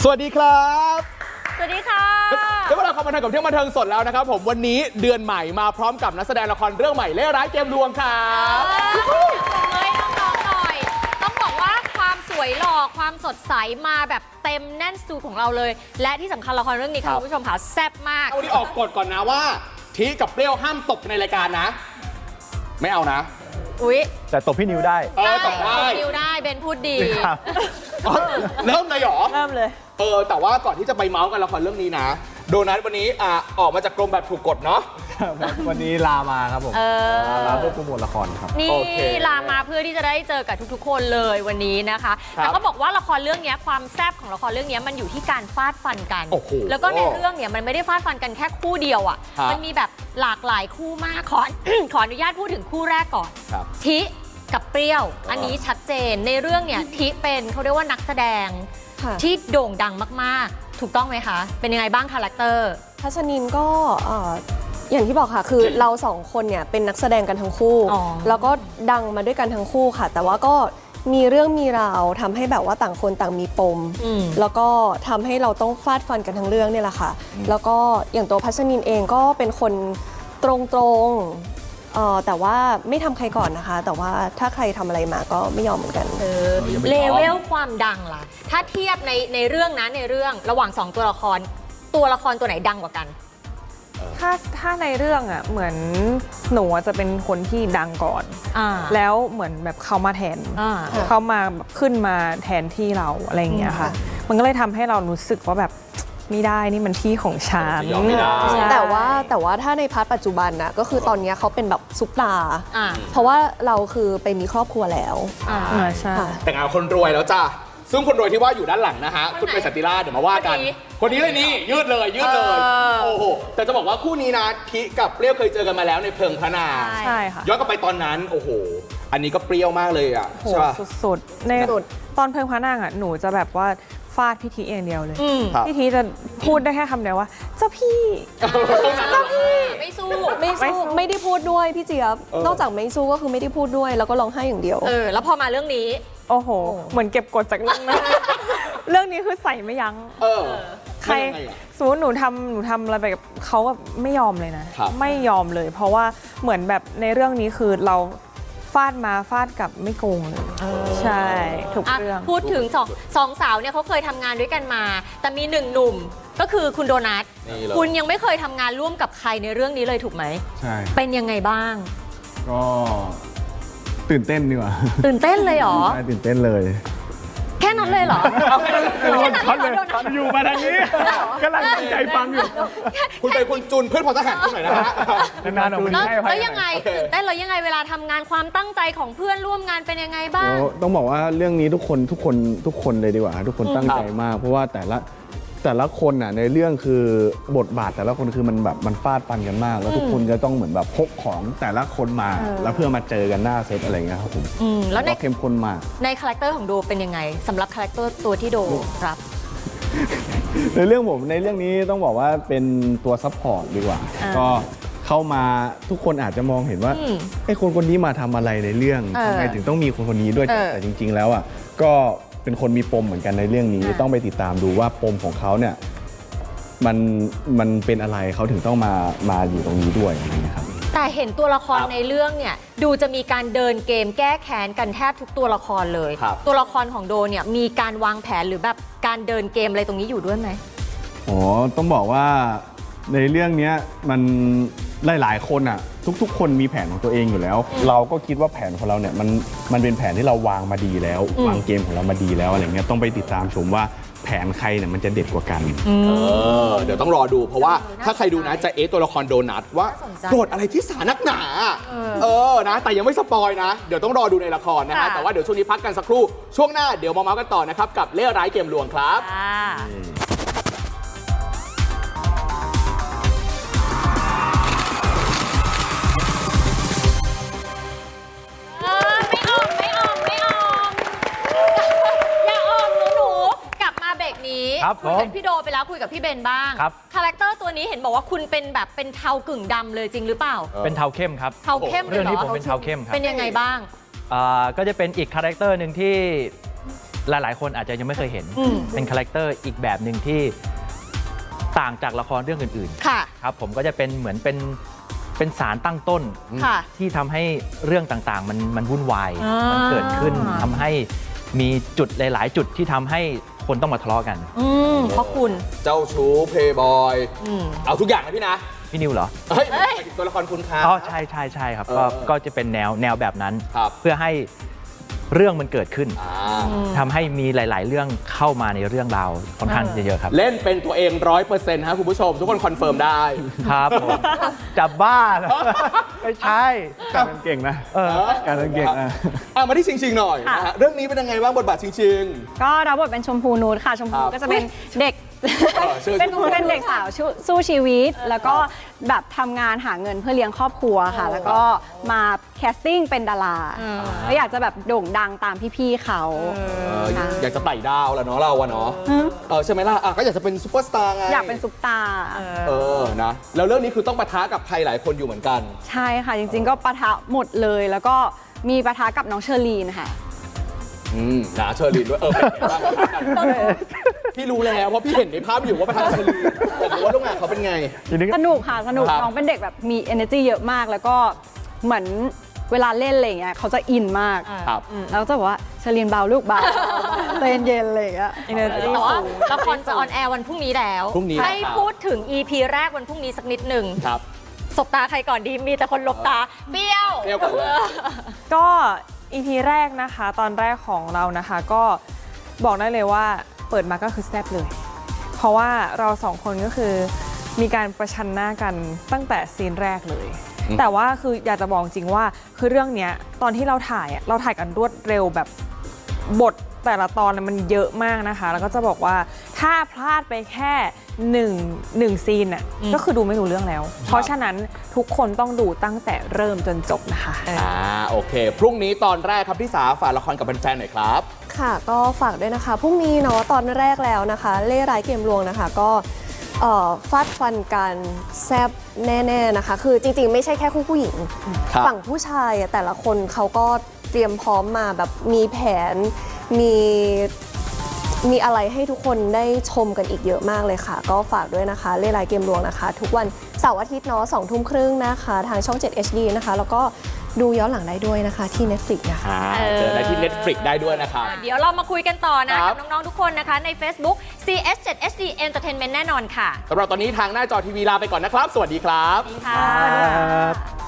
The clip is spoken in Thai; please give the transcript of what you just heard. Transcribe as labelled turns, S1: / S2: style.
S1: สวัสดีครับ
S2: สวัสดีค่ะ
S1: เดี๋ยวเราเข้ามาทางกับเที่ยวบันเทิงสดแล้วนะครับผมวันนี้เดือนใหม่มาพร้อมกับนักแสดงละครเรื่องใหม่เล่ร้ายเกมลวงครับ
S2: เลยน้องๆหน่อยต้องบอกว่าความสวยหล่อความสดใสมาแบบเต็มแน่นสตูของเราเลยและที่สำคัญละครเรื่องนี้ค่ะคุณผู้ชมค่ะแซ่บมาก
S1: วันนี้ออกกฎก่อนนะว่าทีกับเปรี้ยวห้ามตบในรายการนะไม่เอานะ
S2: อุ๊ย
S3: แต่ตบพี่นิวได้
S1: ตบได้
S2: นิวได้เบนพูดดี
S1: เริ่มเลยเหรอ
S2: เริ่มเลย
S1: แต่ว่าก่อนที่จะไปเมาส์กันละครเรื่องนี้นะโดนัทวันนี้ออกมาจากกรมแบบถูกกฎเนาะ
S3: วันนี้ลามาครับผมลาเพื่อโปรโมทละครครับ
S2: นี่ลามาเพื่อที่จะได้เจอกับทุกๆคนเลยวันนี้นะคะแต่ก็บอกว่าละครเรื่องนี้ความแซ่บของละครเรื่องนี้มันอยู่ที่การฟาดฟันกันแล้วก็ในเรื่องเนี่ยมันไม่ได้ฟาดฟันกันแค่คู่เดียวอ่ะมันมีแบบหลากหลายคู่มากขออนุญาตพูดถึงคู่แรกก่อนทิกับเปรี้ยวอันนี้ชัดเจนในเรื่องเนี่ยทิเป็นเขาเรียกว่านักแสดงที่โด่งดังมากๆถูกต้องไหมคะเป็นยังไงบ้างคาแรคเตอร์
S4: พัชนินก็อย่างที่บอกค่ะคือเราสองคนเนี่ยเป็นนักแสดงกันทั้งคู่แล้วก็ดังมาด้วยกันทั้งคู่ค่ะแต่ว่าก็มีเรื่องมีราวทำให้แบบว่าต่างคนต่างมีปมแล้วก็ทำให้เราต้องฟาดฟันกันทั้งเรื่องเนี่ยแหละค่ะแล้วก็อย่างตัวพัชนินเองก็เป็นคนตรงแต่ว่าไม่ทำใครก่อนนะคะแต่ว่าถ้าใครทำอะไรมาก็ไม่ยอมเหมือนกัน
S2: เลเวลความดังล่ะถ้าเทียบในเรื่องนะในเรื่องระหว่าง2ตัวละครตัวไหนดังกว่ากัน
S5: ถ้าในเรื่องอ่ะเหมือนหนูจะเป็นคนที่ดังก่อนแล้วเหมือนแบบเขามาแทนเขามาแบบขึ้นมาแทนที่เราอะไรอย่างเงี้ยค่ะมันก็เลยทำให้เรารู้สึกว่าแบบไม่ได้นี่มันที่ของฉัน
S4: แต่ว่าถ้าในพาร์ทปัจจุบันนะก็คือตอนนี้เขาเป็นแบบซุปตาเพราะว่าเราคือไปมีครอบครัวแล้ว
S5: ใช่
S1: แต่งงานคนรวยแล้วจ้าซึ่งคนรวยที่ว่าอยู่ด้านหลังนะฮะคุณเป็นสันติราชเดี๋ยวมาว่ากันคนนี้เลยนี่ยืดเลยโอ้โหแต่จะบอกว่าคู่นี้นะทิกับเปรี้ยวเคยเจอกันมาแล้วในเพลิงพระนาง
S5: ใช่ค่ะ
S1: ย้อนกลับไปตอนนั้นโอ้โหอันนี้ก็เปรี้ยวมากเลยอ่ะ
S5: ใช่ป่ะสุดๆในตอนเพลิงพระนางอ่ะหนูจะแบบว่าฟาดพี่ทีอย่างเดียวเลยพี่ทีจะพูดได้แค่คำเดียวว่าเจ้าพี่
S2: ไม่สู้
S4: ไม่ได้พูดด้วยพี่เจี๊ยบนอกจากไม่สู้ก็คือไม่ได้พูดด้วยแล้วก็ร้องไห้อย่างเดียว
S2: แล้วพอมาเรื่องนี้
S5: โอ้โหเหมือนเก็บกดจากเรื่องนั้นเรื่องนี้คือใส่ไม่ยั้งใครสมมติหนูทำอะไรไปกับเขาแบบไม่ยอมเลยนะไม่ยอมเลยเพราะว่าเหมือนแบบในเรื่องนี้คือเราฟาดมาฟาดกลับไม่โกงเลยใช่ถูกเรื่อง
S2: พูดถึงสองสาวเนี่ยเขาเคยทำงานด้วยกันมาแต่มีหนึ่งหนุ่มก็คือคุณโดนัทคุณยังไม่เคยทำงานร่วมกับใครในเรื่องนี้เลยถูกไหม
S3: ใช่
S2: เป็นยังไงบ้าง
S3: ก็ตื่นเต้นดีกว่า
S2: ตื่นเต้นเลยเหรอ
S3: ใช่ตื่นเต้นเลย
S2: แค่นั้นเลยเหรอ
S3: อยู่มาทางนี้กำลังตั้งใจฟังอยู่
S1: คุณไปคุณจุนเพื่อนพลทหารคุณหน่อยนะฮะ
S3: นานๆ
S2: แล้วยังไงตื่นเต้นเรายังไงเวลาทำงานความตั้งใจของเพื่อนร่วมงานเป็นยังไงบ้าง
S3: ต้องบอกว่าเรื่องนี้ทุกคนเลยดีกว่าทุกคนตั้งใจมากเพราะว่าแต่ละคนน่ะในเรื่องคือบทบาทแต่ละคนคือมันแบบมันฟาดฟันกันมากแล้วทุกคนจะต้องเหมือนแบบพกของแต่ละคนมาแล้วเพื่อมาเจอกันหน้าเซตอะไรเงี้ยครับผม
S2: แล้วใน
S3: เข้มข้นมาก
S2: ในคาแรคเตอร์ของโดเป็นยังไงสำหรับคาแรคเตอร์ตัวที่โดรับ
S3: ในเรื่องนี้ต้องบอกว่าเป็นตัวซัพพอร์ตดีกว่าก็เข้ามาทุกคนอาจจะมองเห็นว่าไอ้คนนี้มาทำอะไรในเรื่องทำไมถึงต้องมีคนนี้ด้วยแต่จริงๆแล้วอ่ะก็เป็นคนมีปมเหมือนกันในเรื่องนี้ต้องไปติดตามดูว่าปมของเขาเนี่ยมันเป็นอะไรเขาถึงต้องมาอยู่ตรงนี้ด้วยอะไรเงี้ยครับ
S2: แต่เห็นตัวละครในเรื่องเนี่ยดูจะมีการเดินเกมแก้แค้นกันแทบทุกตัวละครเลยตัวละครของโดเนี่ยมีการวางแผนหรือแบบการเดินเกมอะไรตรงนี้อยู่ด้วยไหม
S3: อ๋อต้องบอกว่าในเรื่องนี้มันหลายคนอ่ะทุกคนมีแผนของตัวเองอยู่แล้วเราก็คิดว่าแผนของเราเนี่ยมันเป็นแผนที่เราวางมาดีแล้ววางเกมของเรามาดีแล้วอะไรเงี้ยต้องไปติดตามชมว่าแผนใครเนี่ยมันจะเด็ดกว่ากัน
S1: เดี๋ยวต้องรอดูเพราะว่าถ้าใครดูนะจะตัวละครโดนัทว่าโกรธอะไรที่สานักหนานะแต่ยังไม่สปอยนะเดี๋ยวต้องรอดูในละครนะฮะแต่ว่าเดี๋ยวช่วงนี้พักกันสักครู่ช่วงหน้าเดี๋ยวมาเมาส์กันต่อนะครับกับเล่ร้ายเกมลวงครับ
S2: คุยกับพี่โดไปแล้วคุยกับพี่เบนบ้างคาแรคเตอร์ตัวนี้เห็นบอกว่าคุณเป็นแบบเป็นเทากึ่งดำเลยจริงหรือเปล่า
S6: เป็นเทาเข้มครับ
S2: เทาเข้ม
S6: เรื่องที่ผมเป็นเทาเข้มครับ
S2: เป็นยังไงบ้าง
S6: ก็จะเป็นอีกคาแรคเตอร์หนึ่งที่หลายๆ คนอาจจะยังไม่เคยเห็น เป็นคาแรคเตอร์อีกแบบหนึ่งที่ต่างจากละครเรื่องอื่น
S2: ค่ะ
S6: ๆครับผมก็จะเป็นเหมือนเป็นสารตั้งต้น
S2: ค่ะ
S6: ที่ทำให้เรื่องต่างๆ มันวุ่นวาย
S2: อ่ามั
S6: มันเกิดขึ้นทำให้มีจุดหลาย ๆ จุดที่ทำให้คนต้องมาทะเลาะกัน
S2: เพราะคุณ
S1: เจ้าชู้เพย์บอยเอาทุกอย่างนะพี่นะ
S6: พี่นิวเหรอ
S1: เฮ้ยหมายถึงตัวละครคุณครับ
S6: อ๋อใช่ครับก็จะเป็นแนวแบบนั้น
S1: ครับ
S6: เพื่อให้เรื่องมันเกิดขึ้น
S1: อ่า
S6: ทำให้มีหลาย ๆ เรื่องเข้ามาในเรื่องราวค่อนข้างเยอะๆครับ
S1: เล่นเป็นตัวเอง 100%ฮะคุณผู้ชม ทุกคนคอนเฟิร์มได้
S6: ครับผมจะบ้าเหรอไม่ใช่
S3: การเก่งนะ การเก่งนะ
S1: มาที่ชิงๆหน่อยนะฮะเรื่องนี้เป็นยังไงบ้างบทบาทชิง
S7: ก็รับบทเป็นชมพูนูดค่ะ ชมพู
S1: ครับ
S7: ก็จะเป็นเด็ก
S1: ชื่อ
S7: เป็นเด็กสาวสู้ชีวิต แล้วก็แบบทำงานหาเงินเพื่อเลี้ยงครอบครัวค่ะ แล้วก็มาแคสติ้งเป็นดาราแล้วอยากจะแบบโด่งดังตามพี่ๆเขา ค่ะ
S1: อยากจะไต่ดาวแหละเนาะเราอะเนาะใช่ไหมล่ะก็อยากจะเป็นซูเปอร์สตาร์ไง
S7: อยากเป็นซุปตาร์
S1: นะแล้วเรื่องนี้คือต้องปะทะกับใครหลายคนอยู่เหมือนกัน
S7: ใช่ค่ะ จริงๆ ก็ปะทะหมดเลย แล้วก็มีปะทะกับน้องเชอรีนค่ะ
S1: นะเชอร์ลีนด้วยเป็นไงบ้างพี่รู้แล้วเพราะพี่เห็นในภาพอยู่ว่าประธานเชอร์ลีนแต่รู้ว่าร่วมงานเขาเป็นไง
S7: สนุกค่ะ สนุก
S1: ครับ
S7: น้องเป็นเด็กแบบมี energy เยอะมาก แล้วก็เหมือนเวลาเล่นอะไรอย่างเงี้ยเขาจะอินมาก
S1: ครับ
S7: แล้วจะบอกว่าเชอรีนเบาลูกเบาใจเย็นๆอะไรอย่างเงี้ย
S5: energy
S2: แต่ว่า
S5: สูง
S2: ละครจะออนแอร์วันพรุ่งนี้แล้ว
S1: พรุ่งนี้
S2: ให้
S1: ครับ
S2: พูดถึง EP แรกวันพรุ่งนี้สักนิดหนึ่ง
S1: ครับ
S2: สบตาใครก่อนดี มีแต่คนหลบตา เปรี้ยว
S1: เปรี้ยวก่อนเลย
S5: ก็ EP แรกนะคะ ตอนแรกของเรานะคะก็บอกได้เลยว่าเปิดมาก็คือแซ่บเลย เพราะว่าเราสองคนก็คือมีการประชันหน้ากันตั้งแต่ซีนแรกเลย แต่ว่าคืออยากจะบอกจริงว่าคือเรื่องเนี้ยตอนที่เราถ่ายอะเราถ่ายกันรวดเร็วแบบบทแต่ละตอนมันเยอะมากนะคะ แล้วก็จะบอกว่าถ้าพลาดไปแค่หนึ่งซีนน่ะก็คือดูไม่รู้เรื่องแล้ว เพราะฉะนั้นทุกคนต้องดูตั้งแต่เริ่มจนจบนะคะ
S1: โอเค พรุ่งนี้ตอนแรกครับที่สาฝากละครกับแฟนๆหน่อยครับ
S4: ค่ะก็ฝากด้วยนะคะพรุ่งนี้เนาะตอนแรกแล้วนะคะ เล่ร้ายเกมลวงนะคะก็ฟาดฟันกันแซบแน่ๆนะคะ คือจริงๆ ไม่ใช่แค่คู่ผู้หญิง
S1: ครับ
S4: ฝั่งผู้ชายอะแต่ละคนเขาก็เตรียมพร้อมมาแบบมีแผนมีอะไรให้ทุกคนได้ชมกันอีกเยอะมากเลยค่ะ ก็ฝากด้วยนะคะเล่ร้ายเกมลวงนะคะ ทุกวันเสาร์อาทิตย์เนาะ20:30นะคะ ทางช่อง 7 HD นะคะ แล้วก็ดูย้อนหลังได้ด้วยนะคะที่ Netflix นะคะ
S1: เจอได้ที่ Netflix ได้ด้วยนะครับ
S2: เดี๋ยวเรามาคุยกันต่อนะ
S1: ครั
S2: กับ บน้อง ๆ ทุกคนนะคะ ใน Facebook CS7HD Entertainment แน่นอนค่ะ
S1: สำหรับตอนนี้ทางหน้าจอทีวีลาไปก่อนนะครับ สวัสดีครับ
S2: สวัสดีค่ะ
S3: ครับ